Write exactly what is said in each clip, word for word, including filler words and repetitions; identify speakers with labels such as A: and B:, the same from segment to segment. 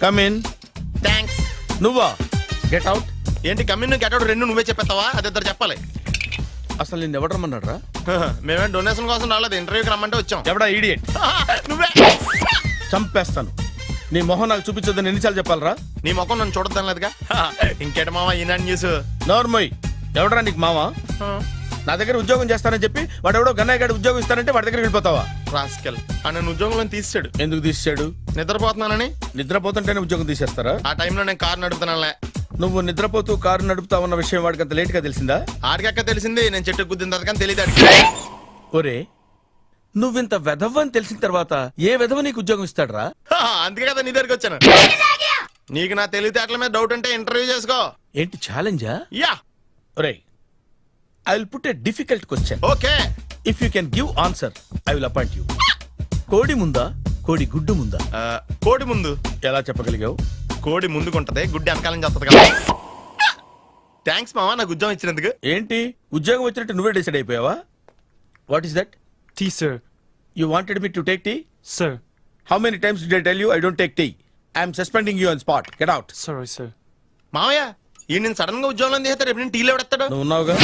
A: Come in.
B: Thanks.
A: నువ్వా? Get out.
B: ఏంటి కమ్యూన్ గెట్ అవుట్ రెండు నువ్వే చెప్పేస్తావా? అది ఇద్దరు చెప్పాలి.
A: అసలు నిన్ను ఎవడు రమ్మన్నాడు రా?
B: మేమే డొనేషన్ కోసం రాలేదు, ఇంటర్వ్యూకి రమ్మంటే వచ్చాం.
A: ఎవడా ఈడియట్?
B: నువ్వే.
A: చంపేస్తాను. నీ మొహం నాకు చూపించొద్దని ఎన్నిసార్లు చెప్పాలరా?
B: నీ ముఖం నన్ను చూడద్దాం లేదుగా. ఇంకేట మామ ఈనాడు న్యూస్.
A: నోర్మోయ్, ఎవడరా నీకు మావా? నా దగ్గర ఉద్యోగం చేస్తానని చెప్పి వాడు ఎవడో గన్నయ్య గారి ఉద్యోగం ఇస్తానంటే వాడి దగ్గర వెళ్ళిపోతావా?
B: రాస్కెల్ ఆ నన్ను ఉద్యోగంలో తీసాడు.
A: ఎందుకు తీసాడు?
B: నిద్రపోతున్నానని.
A: నిద్రపోతుంటేనే ఉద్యోగం తీసేస్తారా?
B: ఆ టైంలో నేను కారు నడుపుతున్నానులే.
A: నువ్వు నిద్రపోతూ కారు నడుపుతా ఉన్న విషయం వాడికి అంత లేట్ గా తెలిసిందా?
B: ఆడికక్క తెలిసింది, నేను చెట్టు గుద్దిన తర్వాత కానీ తెలియదు.
A: ఒరే, నువ్వింత వెధవ్ అని తెలిసిన తర్వాత ఏ వెధవ నీకు ఉద్యోగం ఇస్తాడరా?
B: అందుకే కదా నీ దగ్గరికి వచ్చాను. నీకు నా తెలివితేటల మీద డౌట్ అంటే ఇంటర్వ్యూ చేసుకో.
A: ఏంటి ఛాలెంజా?
B: యా.
A: ఒరే, I will put a difficult question.
B: Okay.
A: If you can give answer I will appoint you. కోడి ముందా, కోడి గుడ్డు ముందా?
B: కోడి ముందు.
A: ఎలా చెప్పగలిగావు?
B: కోడి ముందుకుంటది, గుడ్డి వెనకాలం చేస్తుంది కదా. థ్యాంక్స్ మామా నాకు ఉద్యోగం ఇచ్చినందుకు.
A: ఏంటి ఉద్యోగం వచ్చినట్టు నువ్వే డిసైడ్ అయిపోయావా? What is that?
C: Tea, sir.
A: You wanted me to take tea?
C: Sir.
A: How many times did I tell you I don't take tea? I am suspending you on spot. Get out.
C: Sorry, sir.
B: మామయ్య ఈ నేను sudden గా ఉద్యోగంలో తీస్తాడు, రేపు నేను టీలో పెడతాడు.
A: నువ్వు ఉన్నావుగా.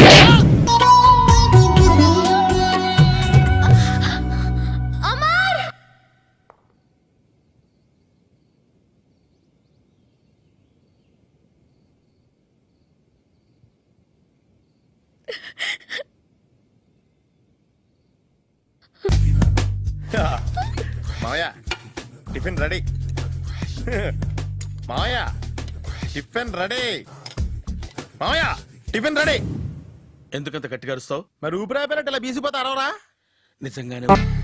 B: మామయ్య టిఫిన్ రెడీ. మామయ్య టిఫిన్ రెడీ. మామయ్య టిఫిన్ రెడీ.
A: ఎందుకంత గట్టిగా అరుస్తావు?
B: మరి ఊపిరాయిపోయినట్టు ఇలా బీసిపోతే అరవరా?
A: నిజంగానే.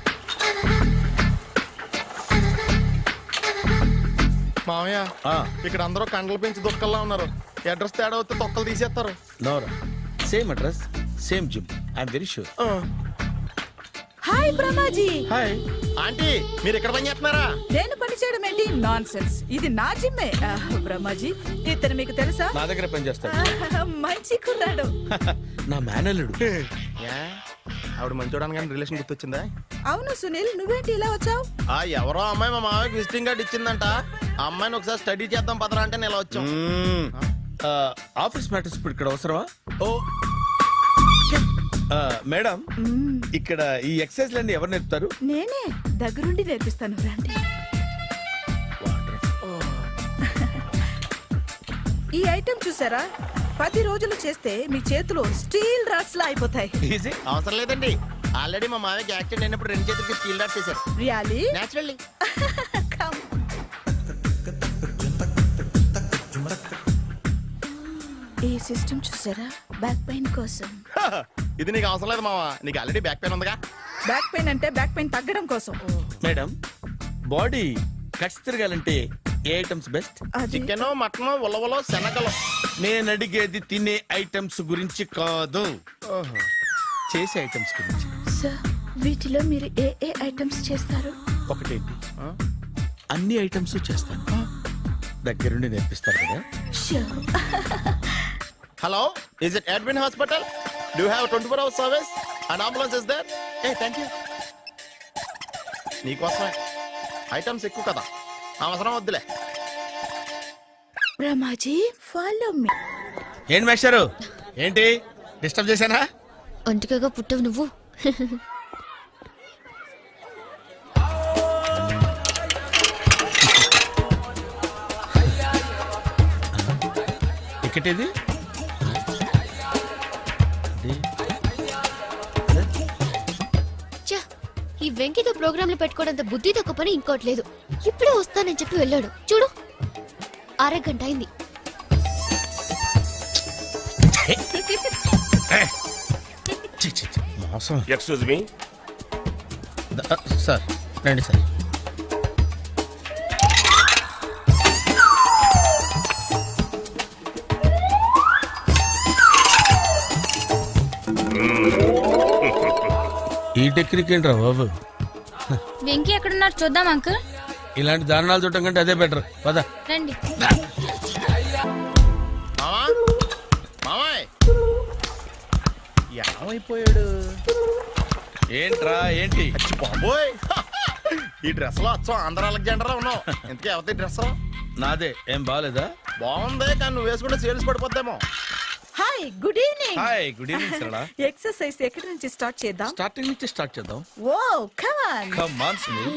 B: మామయ్య ఇక్కడ అందరూ కండలు పెంచి దుక్కల్లా ఉన్నారు. అడ్రస్ తేడా వస్తే తొక్కలు తీసేస్తారు.
A: నోరా, same address same gym. I'm very sure.
D: Hi Brahmaji.
A: Hi
B: aunty, మీరు ఇక్కడ పని చేస్తున్నారా?
D: నేను పని చేయడం ఏంటి? Nonsense. ఇది నా జిమ్మే. ఆహ్, బ్రహ్మాజీ ఇతను మీకు తెలుసా?
A: నా దగ్గర పని చేస్తాడు.
D: ఆహ్, మంచి కుర్రాడు.
A: నా మేనల్లుడు.
B: యా, ఆవిడ మంచోడానికి కానీ రిలేషన్ గుర్తొచ్చిందా?
D: అవును సునీల్, నువ్వేంటి ఇలా వచ్చావు?
B: ఆ ఎవరో అమ్మాయి మా మామయ్యకి విజిటింగ్ కార్డ్ ఇచ్చిందంట. ఆ అమ్మాయిని ఒకసారి స్టడీ చేద్దాం పదరా అంటే నేను ఇలా వచ్చాం.
A: ఆఫీస్ మ్యాటర్స్ ఇప్పుడు ఇక్కడ అవసరమా? ఓ మేడం, ఇక్కడ ఈ ఎక్సర్సైజ్ లన్నీ ఎవరు నేర్పుతారు?
D: నేనే దగ్గరుండి నేర్పిస్తాను, రండి. ఈ ఐటెం చూసారా? పది రోజులు చేస్తే మీ చేతులు స్టీల్ రాట్స్ లా అయిపోతాయి.
A: ఈజీ.
B: అవసరం లేదండి, ఆల్రెడీ మా మామయ్యకి యాక్సిడెంట్ అయినప్పుడు రెండు చేతులకి స్టీల్ డాట్ చేశారు.
D: రియల్లీ?
B: నేచురల్లీ.
D: కమ్. ఈ సిస్టమ్ చూసారా? బ్యాక్ పెయిన్ కోసం.
B: ఇది నీకు అవసరం లేదు మామ, నీకు ఆల్రెడీ బ్యాక్ పెయిన్ ఉందిగా.
D: బ్యాక్ పెయిన్ అంటే బ్యాక్ పెయిన్ తగ్గడం కోసం.
A: మేడం, బాడీ కట్స్ తిరగాలంటే ఏ ఐటమ్స్ బెస్ట్?
D: అది
B: చికెన్, మటన్, ఉలవలో, శనగలు.
A: నేను అడిగేది తినే ఐటమ్స్ గురించి కాదు, చేసే ఐటమ్స్ గురించి.
D: సార్, వీటిలో మీరు ఏ ఏ ఐటమ్స్ చేస్తారు?
A: ఒకటేంటి, అన్ని ఐటమ్స్ చేస్తాను. దగ్గరుండి నేర్పిస్తారు కదా.
D: Sure.
B: Hello, is it admin hospital? Do have twenty four hours service and ambulance is there? ఏ థ్యాంక్ యూ. నీకోసమే ఐటమ్స్ ఎక్కువ కదా, అవసరం వద్దులే.
D: Brahmaji, follow me.
A: ఏంటి మేస్టారు, ఏంటి డిస్టర్బ్ చేశానా?
E: ఒంటికగా పుట్టవు నువ్వు.
A: టికెట్ ఇది?
E: ఈ వెంకితో ప్రోగ్రాంలు పెట్టుకోవడంత బుద్ధి తక్కువ పని ఇంకోటి లేదు. ఇప్పుడే వస్తానని చెప్పి వెళ్ళాడు చూడు, అరగంట అయింది.
A: మోసం.
F: Excuse me.
A: సార్ రండి సార్. ఈ టెక్నిక్ ఏంట్రా బాబు?
G: వెంకీ ఎక్కడున్నారు చూద్దాం అంకుల్.
A: ఇలాంటి దారుణాలు చూడటం కంటే అదే బెటర్. పద
G: రండి.
B: ఏమైపోయాడు?
A: ఏంట్రా ఏంటి?
B: బాబోయ్, ఈ డ్రెస్ లో వచ్చాం ఆంధ్ర అలెగ్జాండర్ ఉన్నావు. ఇంతకీ ఎవరి డ్రెస్?
A: నాదే ఏం బాగాలేదా?
B: బాగుంది కానీ నువ్వు వేసుకుంటే సేల్స్ పడిపోద్దేమో.
D: Hi good evening.
A: Hi good evening Sarala.
D: Exercise ఎక్కడి నుంచి స్టార్ట్ చేద్దాం?
A: స్టార్టింగ్ నుంచి స్టార్ట్ చేద్దాం.
D: Oh come on.
A: Come on Sunil.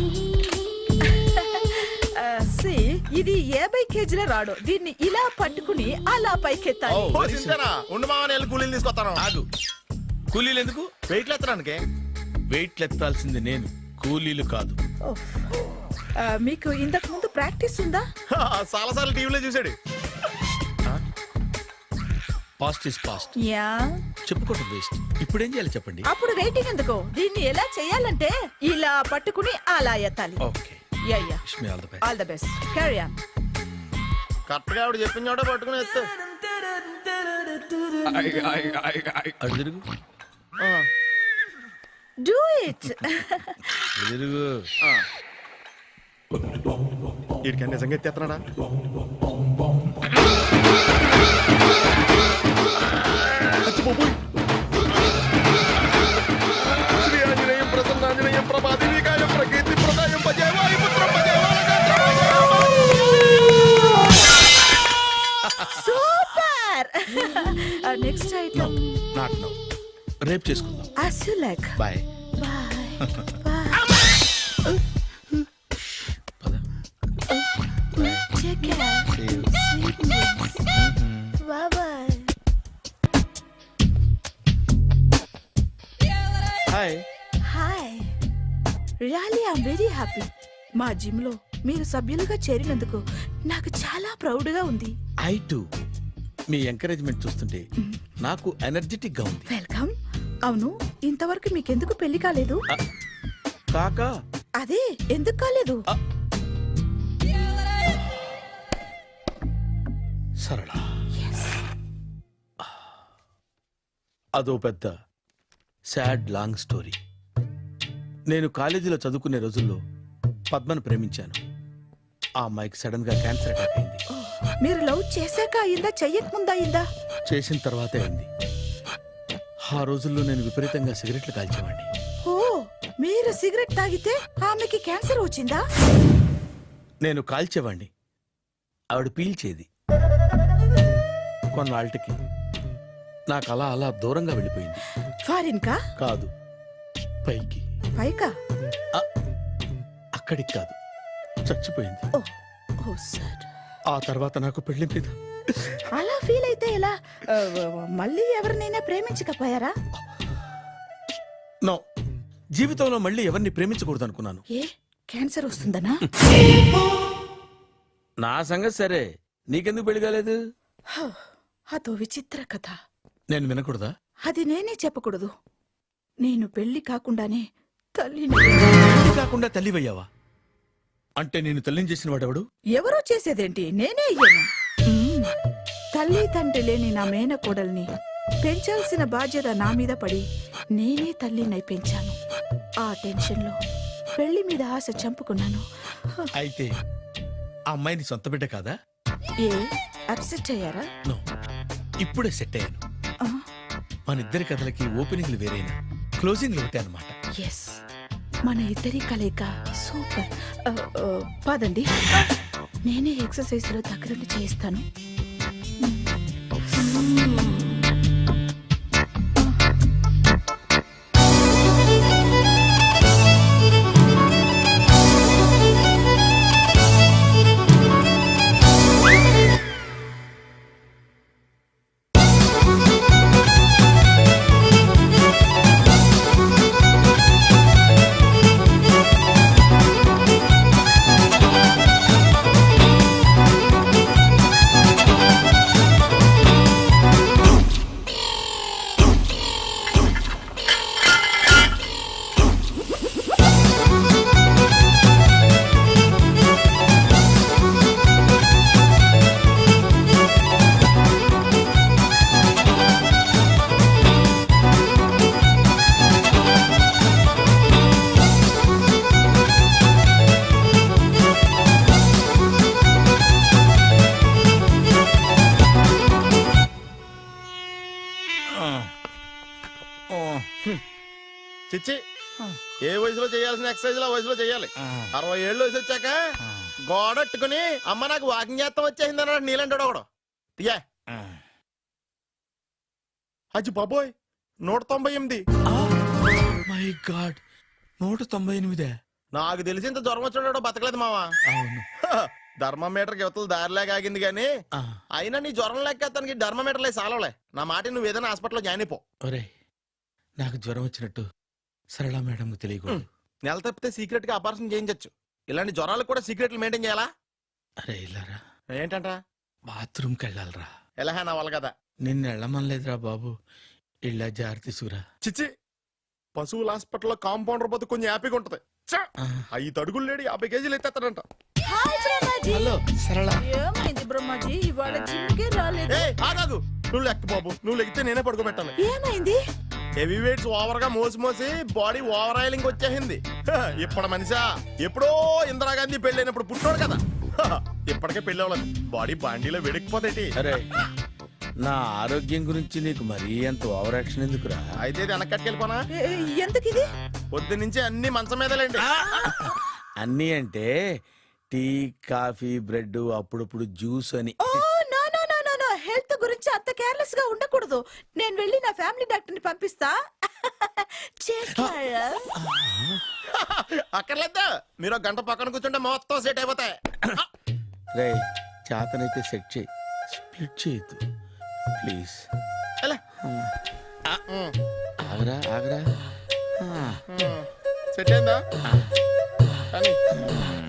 D: సి ఇది యాభై కేజీల రాడు. దీన్ని ఇలా పట్టుకుని అలా పైకెత్తాలి.
A: Oh.
B: ఓ సింతేనా? ఉండు మామని వెళ్ళి కూలీలు తీసుకొస్తాను.
A: ఆగు. కూలీలు ఎందుకు?
B: వెయిట్లు ఎత్తడానికి.
A: వెయిట్ ఎత్తాల్సింది నేను, కూలీలు కాదు.
D: ఓహ్. ఆ, మీకు ఇంతకు ముందు ప్రాక్టీస్ ఉందా?
B: చాలా సార్లు టీవీలో చూసాడు.
A: Past is past.
D: యా.
A: చెప్పుకోవడం వేస్ట్. ఇప్పుడు ఏం చేయాలి చెప్పండి.
D: అప్పుడు వెయిటింగ్ ఎందుకు? దీన్ని ఎలా చేయాలంటే ఇలా పట్టుకుని అలా ఎత్తాలి.
A: Okay.
D: Yeah yeah.
A: Wish me all the best.
D: All the best. Carry on.
B: Correct గా ఆవిడ చెప్పిన చోట పట్టుకుని ఎత్తు.
A: అటు తిరుగు.
D: Do it.
A: అటు తిరుగు.
B: వీడికి నిజంగా ఎత్తేస్తున్నాడా? శ్రీ ఆంజనేయం ప్రసన్నాంజనేయం ప్రభాదేవికాయం ప్రకీర్తి ప్రదాయం భజే వాయుపుత్రం భజే
D: super. Next item.
A: Not now. రేపు చేసుకుందాం.
D: As you like.
A: Bye.
D: Bye. Bye.
A: పద.
D: Take care.
A: See you.
D: Sweet dreams. Bye bye.
A: Hi.
D: Hi. Really I'm very happy. మా జిమ్ లో మీరు సభ్యులుగా చేరినందుకు నాకు చాలా ప్రౌడ్ గా ఉంది.
A: I to. మీ ఎంకరేజ్మెంట్ చూస్తుంటే నాకు ఎనర్జెటిక్ గా ఉంది.
D: వెల్కమ్. అవును, ఇంతవరకు మీకెందుకు పెళ్లి కాలేదు?
A: కాకా.
D: అదే ఎందుకు కాలేదు?
A: సరళ, అదో పెద్ద సాడ్ లాంగ్ స్టోరీ. నేను కాలేజీలో చదువుకునే రోజుల్లో పద్మను ప్రేమించాను. ఆ అమ్మాయికి సడన్ గా క్యాన్సర్ అటాక్ అయింది.
D: ఓ, మీరు లవ్ చేశాక అయిందా చెయ్యక ముందా అయిందా?
A: చేసిన తర్వాతే అయింది. ఆ రోజుల్లో నేను విపరీతంగా సిగరెట్లు కాల్చేవాడిని.
D: ఓ, మీరు సిగరెట్ తాగితే ఆమెకి క్యాన్సర్ వచ్చిందా?
A: నేను కాల్చేవాణ్ణి, ఆవిడ పీల్చేది. కొన్నాళ్ళకి నాకు అలా అలా దూరంగా వెళ్ళిపోయింది.
D: ఫారిన్ కా?
A: కాదు, పైకి.
D: పైకా?
A: ఆ, అక్కడికి కాదు, చచ్చిపోయింది.
D: ఓ, ఓ సార్.
A: ఆ తర్వాత నాకు పెళ్లి మీద
D: అలా ఫీల్ అయితే ఎలా? ఆ, మళ్ళీ ఎవరినైనా ప్రేమించకపోయారా?
A: నో, జీవితంలో మళ్ళీ ఎవరిని ప్రేమించకూడదు అనుకున్నాను.
D: ఏ క్యాన్సర్ వస్తుందనా?
A: నా సంగతి సరే, నీకెందుకు పెళ్లి కాలేదు?
D: హ, అదో విచిత్ర కథ.
A: నేను వినకూడదా?
D: అది నేనే చెప్పకూడదు. నేను పెళ్లి కాకుండానే తల్లిని.
A: పెళ్లి కాకుండా తల్లివయ్యావా? అంటే నేను తల్లిని చేసిన వాడెవడు?
D: ఎవరో చేసేదేంటి, నేనే అయ్యాను. మ్మ్. తల్లి తండ్రి లేని నా మేనకోడల్ని పెంచాల్సిన బాధ్యత నా మీద పడి నేనే తల్లినై పెంచాను. ఆ టెన్షన్లో పెళ్లి మీద ఆశ చంపుకున్నాను. హ,
A: అయితే ఆ అమ్మాయిని సొంత బిడ్డ కాదా?
D: ఏ అప్సెట్ అయ్యారా?
A: నో, ఇప్పుడే సెట్ అయ్యాను.
D: ఆ,
A: మన ఇద్దరి కథలకి ఓపెనింగ్లు వేరైనా క్లోజింగ్లు ఒకటే అనమాట.
D: ఎస్, మన ఇద్దరి కలయిక సూపర్. ఆ, ఆ, పదండి, నేనే ఎక్సర్సైజ్ లో దగ్గరుండి చేయిస్తాను.
B: చిచ్చి, ఏ వయసులో చేయాల్సిన ఎక్సర్సైజ్ ఆ వయసులో చేయాలి. అరవై ఏళ్ళు వయసు వచ్చాక గోడట్టుకుని అమ్మ నాకు వాకింగ్ చేస్తాం వచ్చేసింది అన్నాడు నీలంటాడు ఒకడు తీయా అచ్చి బాబోయ్ నూట తొంభై ఎనిమిది
A: మై గాడ్ నూట తొంభై ఎనిమిదే
B: నాకు తెలిసి ఇంత జ్వరం వచ్చాడో బతకలేదు మావా
A: అవును.
B: ధర్మమీటర్ యువతలు దారిలాగా ఆగింది గానీ
A: ఆ,
B: అయినా నీ జ్వరం లెక్క అతనికి ధర్మమీటర్లే సాలవలే నా మాట నువ్వు ఏదైనా హాస్పిటల్లో జాయిన్ అయిపో
A: ఒరే నాకు జ్వరం వచ్చినట్టు సరళ మేడంకు తెలియకూడదు.
B: నెల తప్పితే సీక్రెట్ గా ఆపరేషన్ చేయించచ్చు ఇలాంటి జ్వరాలకు కూడా సీక్రెట్లు మెయింటైన్ చేయాలా
A: అరే ఇల్లారా
B: ఏంటంట
A: బాత్రూమ్కి వెళ్ళాలరా.
B: ఎలా నా వాళ్ళ కదా
A: నిన్ను వెళ్ళమనలేదురా బాబు. ఇళ్ళ జారి తీసుకురా.
B: చిచ్చి పశువుల హాస్పిటల్లో కాంపౌండర్ బతు కొంచెం హ్యాపీగా ఉంటది చ్చ!
A: ఆ,
B: ఐదు అడుగులు లేడి యాభై కేజీలు ఎత్తేస్తాడంట
D: హాయ్ బ్రహ్మాజీ.
A: హలో సరళ.
D: ఏమైంది బ్రహ్మాజీ ఇవాళ జిమ్కే రాలేదు?
B: ఏ ఆగాగు నువ్వు లెక్క బాబు నువ్వు లెక్కితే నేనే పడుకోబెట్టాలి
D: ఏమైంది?
B: హెవీ వెయిట్స్ ఓవర్ గా మోసి మోసి బాడీ ఓవర్ ఆయిలింగ్ వచ్చేసింది హ, ఇప్పుడు మనిషా ఎప్పుడో ఇందిరాగాంధీ పెళ్ళైనప్పుడు పుట్టాడు కదా హ, ఇప్పటికే పెళ్ళి అవ్వలేదు బాడీ బాండీలో వెడికిపోతేటి
A: అరే నా ఆరోగ్యం గురించి నీకు మరీ అంత ఓవర్ యాక్షన్ ఎందుకురా?
B: అయితే ఇది వెనకట్టుకెళ్ళిపోనా
D: ఏ, ఎందుకు ఇది?
B: పొద్దు నుంచి అన్ని మంచం మీదలేండి
A: అన్నీ అంటే టీ కాఫీ బ్రెడ్ అప్పుడప్పుడు జ్యూస్ అని.
D: Oh no no no no no health గురించి అంత కేర్లెస్ గా ఉండకూడదు. నేను వెళ్ళి నా ఫ్యామిలీ డాక్టర్ ని పంపిస్తా. చేస్తాడా?
B: అక్కర్లేదా మీరు ఒక గంట పక్కన కూర్చుంటే మొత్తం సెట్ అయిపోతాయి
A: రే చేతనైతే సెట్ చేయి, స్ప్లిట్ చేయొద్దు ప్లీజ్.
B: ఎలా?
A: ఆగరా ఆగరా. ఆ.
B: సెట్ అయిందా కానీ